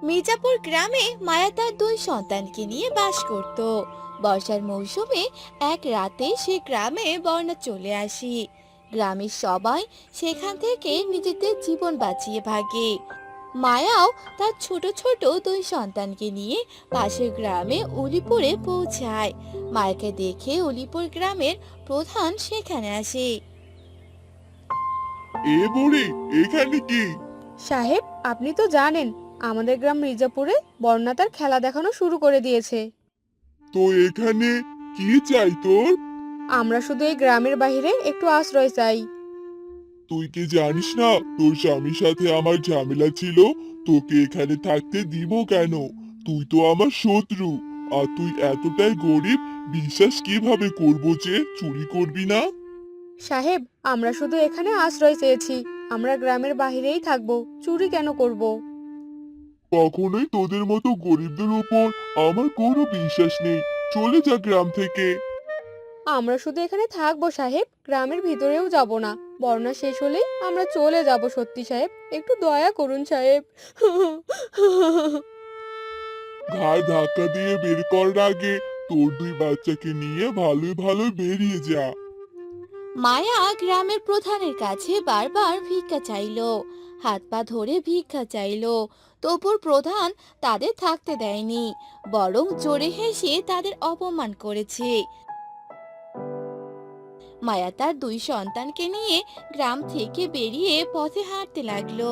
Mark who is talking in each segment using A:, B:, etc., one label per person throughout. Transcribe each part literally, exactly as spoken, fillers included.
A: মির্জাপুর গ্রামে মায়া তার দুই সন্তানকে নিয়ে বাস করত। বর্ষার মৌসুমে এক রাতে সে গ্রামে বন্যা চলে আসে। গ্রামের সবাই সেখান থেকে নিজেদের জীবন বাঁচিয়ে ভাগে। মায়াও তার ছোট ছোট দুই সন্তানকে নিয়ে পাশের গ্রামে উলিপুরে পৌঁছায়। মায়াকে দেখে উলিপুর গ্রামের প্রধান সেখানে আসে।
B: এ বুড়ি, এখানে কি?
C: সাহেব, আপনি তো জানেন আমাদের গ্রাম মির্জাপুরে বন্যা তার খেলা দেখানো শুরু করে দিয়েছে।
B: তো এখানে কি চাই তোর?
C: আমরা শুধু এই গ্রামের বাইরে একটু আশ্রয় চাই।
B: তুই কি জানিস না তোর স্বামীর সাথে আমার ঝামেলা ছিল? তোকে এখানে থাকতে দিব কেন? তুই তো আমার শত্রু। আর তুই এতটাই গরিব, বিশ্বাস কিভাবে করবো যে চুরি করবি না?
C: সাহেব, আমরা শুধু এখানে আশ্রয় চেয়েছি। আমরা গ্রামের বাইরেই থাকবো, চুরি কেন করব।
B: কখনোই তোদের মতো গরিবদের উপর আমার কোনো বিশ্বাস নেই। চলে যা গ্রাম থেকে।
C: আমরা শুধু এখানে থাকবো সাহেব, গ্রামের ভিতরেও যাব না। বন্যা শেষ হলেই আমরা চলে যাব। সত্যি সাহেব, একটু দয়া করুন সাহেব।
B: ঘাড় ধাক্কা দিয়ে বের করার আগে তোর দুই বাচ্চাকে নিয়ে ভালোই ভালোই বেরিয়ে যা।
A: মায়া গ্রামের প্রধানের কাছে বারবার ভিক্ষা চাইলো, হাত পা ধরে ভিক্ষা চাইলো। তবুর প্রধান তাদের থাকতে দেয়নি, বরং জোরে হেসে তাদের অপমান করেছে। মায়া তার দুই সন্তানকে নিয়ে গ্রাম থেকে বেরিয়ে পথে হাঁটতে লাগলো।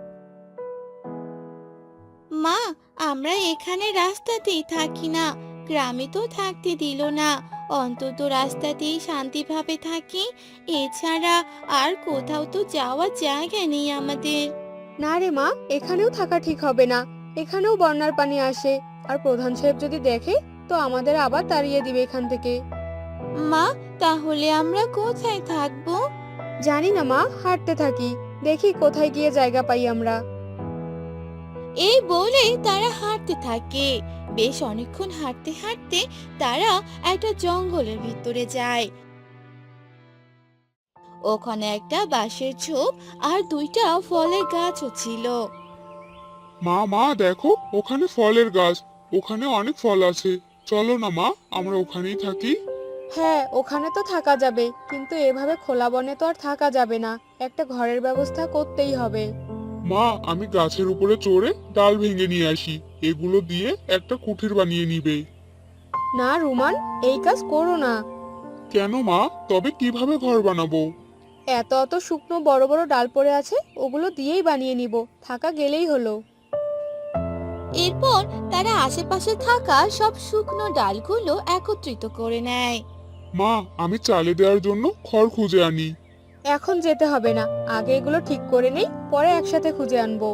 A: মা, আমরা এখানে রাস্তাতেই থাকি না, গ্রামে তো থাকতে দিল না। অন্তত রাস্তাতেই শান্তিভাবে থাকি, এছাড়া আর কোথাও তো যাওয়ার জায়গা নেই আমাদের।
C: না রে মা, এখানেও থাকা ঠিক হবে না। এখানেও বন্যার পানি আসে, আর প্রধান সাহেব যদি দেখে তো আমাদের আবার তাড়িয়ে দিবে এখান থেকে।
A: মা, তাহলে আমরা কোথায় থাকবো?
C: জানি না মা, হাঁটতে থাকি, দেখি কোথায় গিয়ে জায়গা পাই আমরা।
A: এই বলে তারা হাঁটতে থাকে। বেশ অনেকক্ষণ হাঁটতে হাঁটতে তারা একটা জঙ্গলের ভিতরে যায়। ওখানে একটা বাঁশের ঝোপ আর দুইটা ফলের গাছও ছিল।
B: মা মা দেখো, ওখানে ফলের গাছ। ওখানে অনেক ফল আছে। চলো না মা, আমরা ওখানেই থাকি।
C: হ্যাঁ, ওখানে তো থাকা যাবে, কিন্তু এভাবে খোলা বনে তো আর থাকা যাবে না। একটা ঘরের ব্যবস্থা করতেই হবে।
B: মা, আমি গাছের উপরে চড়ে ডাল ভেঙে নিয়ে আসি। এগুলো দিয়ে একটা কুঠির বানিয়ে নিবে।
C: না রুমান, এই কাজ করো না।
B: কেন মা? তবে কিভাবে ঘর বানাবো?
C: এত অত শুকনো বড় বড় ডাল পড়ে আছে, ওগুলো দিয়েই বানিয়ে নিব, থাকা গেলেই হলো।
A: এরপর তারা আশেপাশে থাকা সব শুকনো ডালগুলো একত্রিত করে নেয়।
B: মা, আমি চালে দেওয়ার জন্য খড় খুঁজে আনি।
C: এখন যেতে হবে না, আগে এগুলো ঠিক করে নেই, পরে একসাথে খুঁজে আনবো।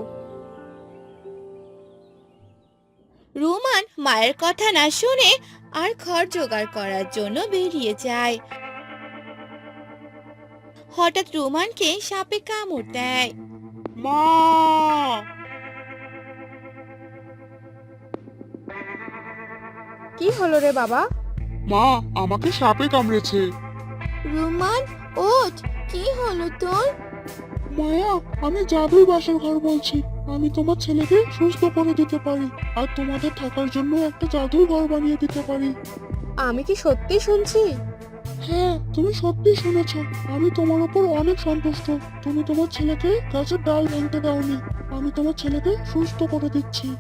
A: রুমান মায়ের কথা না শুনে আর খড় জোগাড় করার জন্য বেরিয়ে যায়। হঠাৎ রুমানকে সাপে কামড় দেয়।
B: মা!
C: কি হলো রে বাবা?
B: মা, আমাকে সাপে কামড়েছে।
A: রুমান, ওঠ, কি হলো তোর?
B: মায়া, আমি জাদুই বাসার ঘর বলছি। আমি তোমার ছেলেকে সুস্থ করে দিতে পারি, আর তোমাদের থাকার জন্য একটা জাদুই ঘর বানিয়ে দিতে পারি।
C: আমি কি সত্যি শুনছি?
B: হ্যাঁ, তুমি সত্যি শুনেছ। আমি তোমার উপর অনেক সন্তুষ্ট। তুমি তোমার ছেলেকে গাছের ডাল ভাঙতে দাওনি। আমি তোমার ছেলেকে সুস্থ করে দিচ্ছি।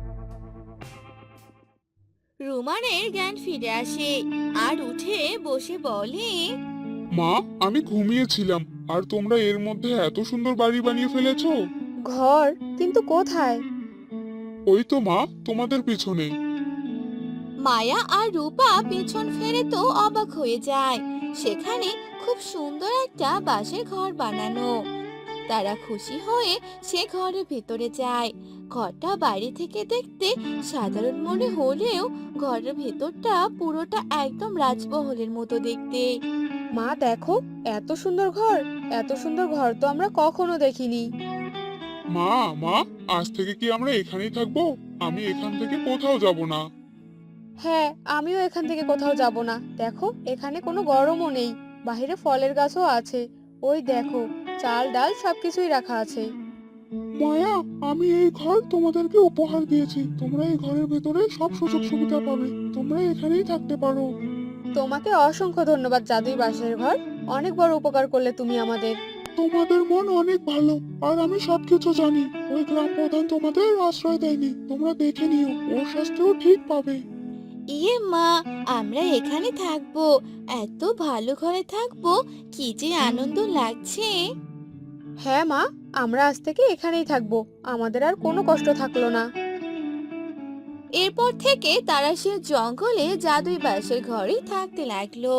A: রুমানের জ্ঞান ফিরে আসে আর উঠে বসে বলে,
B: মা, আমি ঘুমিয়েছিলাম, আর তোমরা এর মধ্যে এত সুন্দর বাড়ি বানিয়ে ফেলেছো।
C: ঘর? কিন্তু কোথায়?
B: ওই তো মা, তোমাদের পিছনে।
A: মায়া আর রূপা পেছন ফেরে তো অবাক হয়ে যায়। সেখানে খুব সুন্দর একটা বাঁশের ঘর বানানো। তারা খুশি হয়ে সে ঘরের ভেতরে যায়। ঘরটা বাইরে থেকে দেখতে সাধারণ মনে হলেও ঘরের ভেতরটা পুরোটা একদম রাজমহলের মতো দেখতে।
C: মা দেখো, এত সুন্দর ঘর! এত সুন্দর ঘর তো আমরা কখনো দেখিনি।
B: মা মা, আজ থেকে কি আমরা এখানেই থাকবো? আমি এখান থেকে কোথাও যাব না।
C: হ্যাঁ, আমিও এখান থেকে কোথাও যাব না। দেখো, এখানে কোনো গরমও নেই, বাইরে ফলের গাছও আছে। ওই দেখো, চাল ডাল সবকিছুই রাখা আছে।
B: মায়া, আমি এই ঘর তোমাদেরকে উপহার দিয়েছি। তোমরা এই ঘরের ভেতরে সব সুযোগ সুবিধা পাবে। তোমরা এখানেই থাকতে পারো।
C: তোমাকে অসংখ্য ধন্যবাদ জাদুই বাঁশের ঘর, অনেক বড় উপকার করলে তুমি আমাদের।
B: তোমাদের মন অনেক ভালো, আর আমি সবকিছু জানি। ওই গ্রাম প্রধান তোমাদের আশ্রয় দেয়নি, তোমরা দেখে নিও, ওর শাস্তিও ঠিক পাবে।
A: ইয়ে মা, আমরা এখানে থাকবো, এত ভালো ঘরে থাকবো, কি যে আনন্দ লাগছে।
C: হ্যাঁ মা, আমরা আজ থেকে এখানেই থাকবো, আমাদের আর কোনো কষ্ট থাকলো না।
A: এরপর থেকে তারা সে জঙ্গলে জাদুই বাঁশের ঘরেই থাকতে লাগলো।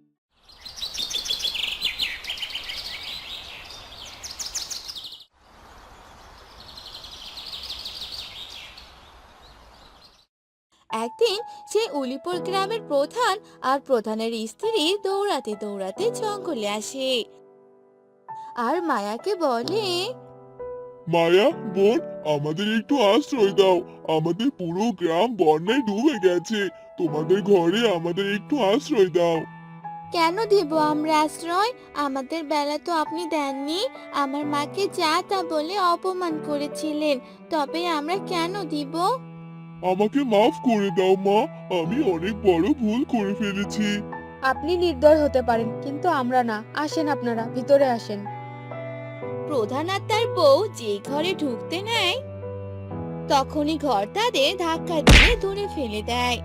A: একদিন সে উলিপুর গ্রামের প্রধান আর প্রধানের স্ত্রী দৌড়াতে দৌড়াতে জঙ্গলে আসে আর মায়াকে বলে,
B: মায়া বোন, আমাদের একটু আশ্রয় দাও। আমাদের পুরো গ্রাম বন্যায় ডুবে গেছে। তোমাদের ঘরে আমাদের একটু আশ্রয় দাও।
A: কেন দিব আমরা আশ্রয়? আমাদের বেলা তো আপনি দেননি। আমার মাকে যা তা বলে অপমান করেছিলেন, তবে আমরা কেন দিব?
B: আমাকে মাফ করে দাও মা, আমি অনেক বড় ভুল করে ফেলেছি।
C: আপনি নির্দয় হতে পারেন, কিন্তু আমরা না। আসেন, আপনারা ভিতরে আসেন।
A: প্রধান আর তার বউ যে ঘরে ঢুকতে নেয়, তখনই ঘর তাদের ধাক্কা দিয়ে দূরে ফেলে দেয়।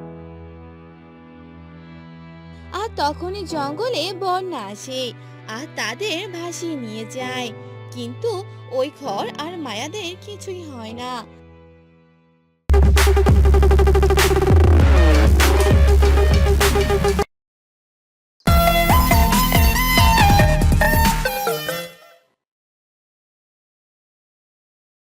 A: আর তখনই জঙ্গলে বন্যা আসে আর তাদের ভাসিয়ে নিয়ে যায়। কিন্তু ওই ঘর আর মায়াদের কিছুই হয় না।